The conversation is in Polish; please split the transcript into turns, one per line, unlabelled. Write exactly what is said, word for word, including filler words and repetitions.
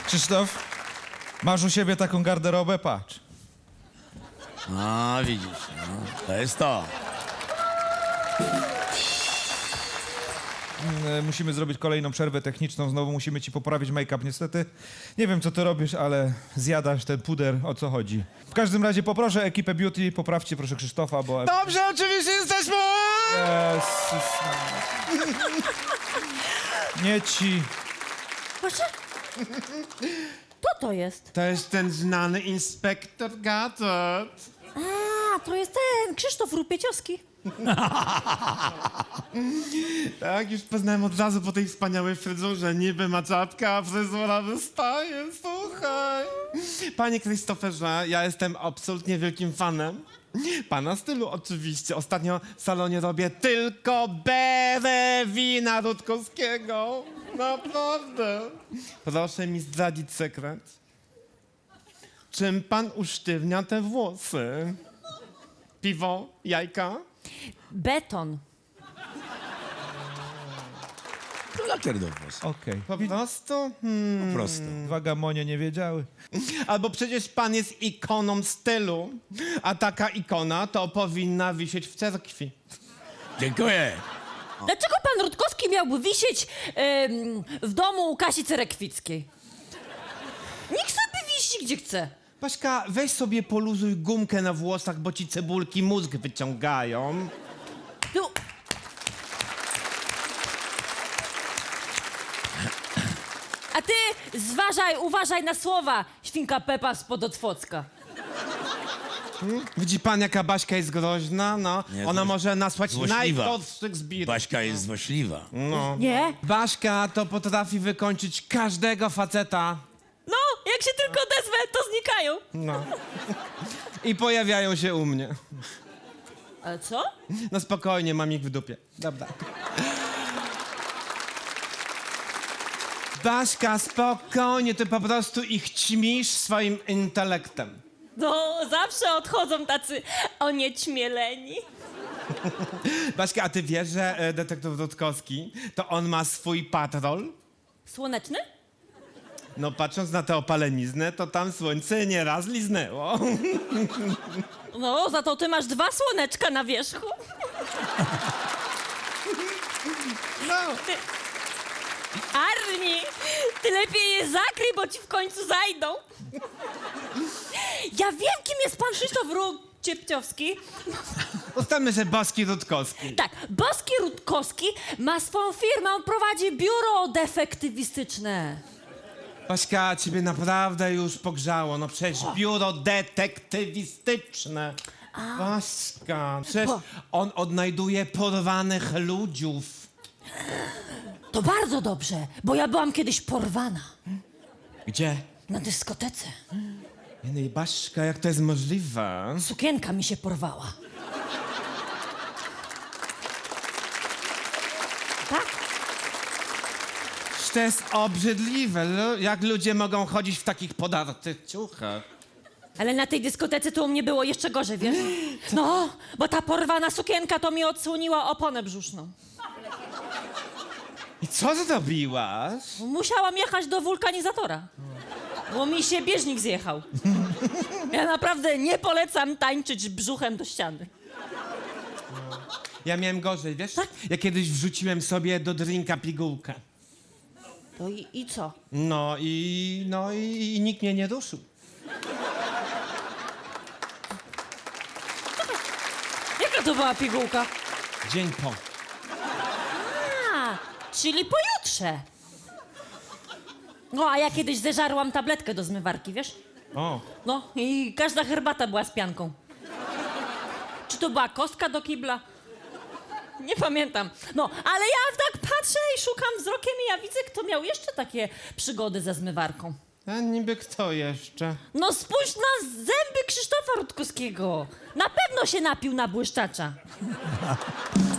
Krzysztof, masz u siebie taką garderobę? Patrz.
A, widzisz, no, to jest to.
Mm, Musimy zrobić kolejną przerwę techniczną. Znowu musimy ci poprawić make-up. Niestety nie wiem, co ty robisz, ale zjadasz ten puder. O co chodzi? W każdym razie poproszę ekipę beauty. Poprawcie proszę Krzysztofa, bo...
Dobrze, oczywiście jesteśmy!
Jezus. Nie ci.
Proszę? Kto to jest?
To jest ten znany inspektor Gadot.
A, to jest ten Krzysztof Rupieciowski.
Tak, już poznałem od razu po tej wspaniałej fryzurze. Niby ma czapka, a fryzura wystaje, słuchaj. Panie Krzysztoferze, ja jestem absolutnie wielkim fanem pana stylu oczywiście. Ostatnio w salonie robię tylko berę wina Rutkowskiego. Naprawdę. Proszę mi zdradzić sekret. Czym pan usztywnia te włosy? Piwo? Jajka?
Beton.
To lakier do włosów,
Okej.
Po prostu? Hmm.
po prostu.
Dwa gamonie nie wiedziały.
Albo przecież pan jest ikoną stylu, a taka ikona to powinna wisieć w cerkwi.
Dziękuję.
Dlaczego pan Rutkowski miałby wisieć em, w domu u Kasi Cerekwickiej? Niech sobie wisi gdzie chce.
Paśka, weź sobie poluzuj gumkę na włosach, bo ci cebulki mózg wyciągają.
No, a ty zważaj, uważaj na słowa, świnka Pepa spod Otwocka.
Widzi pan, jaka Baśka jest groźna? No,
Nie,
ona
złoś-
może nasłać
złośliwa.
najgorszych zbirów.
Baśka jest złośliwa.
No.
Nie?
Baśka to potrafi wykończyć każdego faceta.
No, jak się tylko odezwę, to znikają.
No. I pojawiają się u mnie.
Ale co?
No spokojnie, mam ich w dupie. Dobra. Baśka, spokojnie, ty po prostu ich ćmisz swoim intelektem.
No, zawsze odchodzą tacy oniećmieleni.
Baśka, a ty wiesz, że e, detektyw Rutkowski, to on ma swój patrol?
Słoneczny?
No patrząc na tę opaleniznę, to tam słońce nieraz liznęło.
No, za to ty masz dwa słoneczka na wierzchu.
No.
Ty... Arni, ty lepiej je zakryj, bo ci w końcu zajdą. Ja wiem, kim jest pan Krzysztof Rupieciowski.
Ustalmy, że Boski Rutkowski.
Tak, Boski Rutkowski ma swoją firmę, on prowadzi biuro defektywistyczne.
Baśka, ciebie naprawdę już pogrzało. No przecież biuro detektywistyczne. Baśka, przecież
Bo-
on odnajduje porwanych ludziów.
To bardzo dobrze, bo ja byłam kiedyś porwana
Gdzie?
na dyskotece.
Nie, no, Baśka, jak to jest możliwe?
Sukienka mi się porwała. Tak?
To jest obrzydliwe, lu- jak ludzie mogą chodzić w takich podartych ciuchach.
Ale na tej dyskotece to u mnie było jeszcze gorzej, wiesz? No, bo ta porwana sukienka to mi odsłoniła oponę brzuszną.
I co zrobiłaś?
Musiałam jechać do wulkanizatora, bo mi się bieżnik zjechał. Ja naprawdę nie polecam tańczyć brzuchem do ściany.
Ja miałem gorzej, wiesz?
Tak?
Ja kiedyś wrzuciłem sobie do drinka pigułkę.
To i, i co?
No i, no i, i nikt mnie nie ruszył.
Jaka to była pigułka?
Dzień po.
A, czyli pojutrze. No, a ja kiedyś zeżarłam tabletkę do zmywarki, wiesz?
O,
No, i każda herbata była z pianką. Czy to była kostka do kibla? Nie pamiętam. No, ale ja tak patrzę i szukam wzrokiem i ja widzę, kto miał jeszcze takie przygody ze zmywarką.
a niby kto jeszcze?
No spójrz na zęby Krzysztofa Rutkowskiego. Na pewno się napił na błyszczacza.